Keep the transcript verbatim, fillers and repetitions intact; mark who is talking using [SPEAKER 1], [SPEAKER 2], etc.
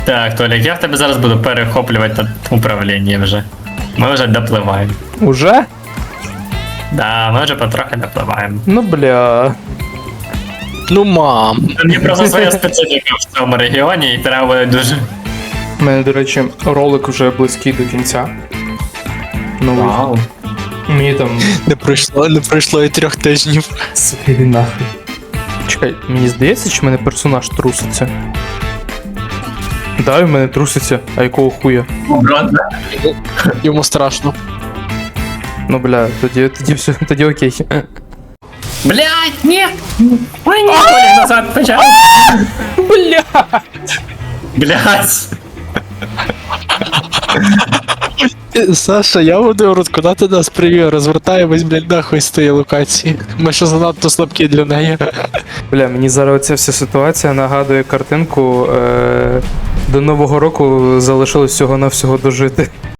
[SPEAKER 1] Так, Толік, я в тебе зараз буду перехоплювати управління вже. Ми вже допливаємо.
[SPEAKER 2] Уже?
[SPEAKER 1] Да, ми вже потрохи допливаємо.
[SPEAKER 2] Ну бля.
[SPEAKER 3] Ну мам.
[SPEAKER 1] Мені просто своя специфіка в цьому регіоні і треба буде дуже.
[SPEAKER 2] У мене, до речі, ролик вже близький до кінця. Новий.
[SPEAKER 1] Вау.
[SPEAKER 2] Мені там.
[SPEAKER 3] Не пройшло, не пройшло і трьох тижнів.
[SPEAKER 2] Сука, іди нахуй. Чекай, мені здається, чи в мене персонаж труситься? Да, в мене труситься, а якого хуя?
[SPEAKER 3] Йому страшно.
[SPEAKER 2] Ну бля, тоді, тоді все, тоді окей.
[SPEAKER 1] Блять, ні! Ой, ні, Толік назад почав.
[SPEAKER 2] Бля!
[SPEAKER 1] Блять.
[SPEAKER 3] Саша, я буду рот, куди ти нас привів? Розвертаємось, блядь, нахуй з тієї локації. Ми ще занадто слабкі для неї.
[SPEAKER 2] Бля, мені зараз оця вся ситуація нагадує картинку. Е- до Нового року залишилось всього-навсього дожити.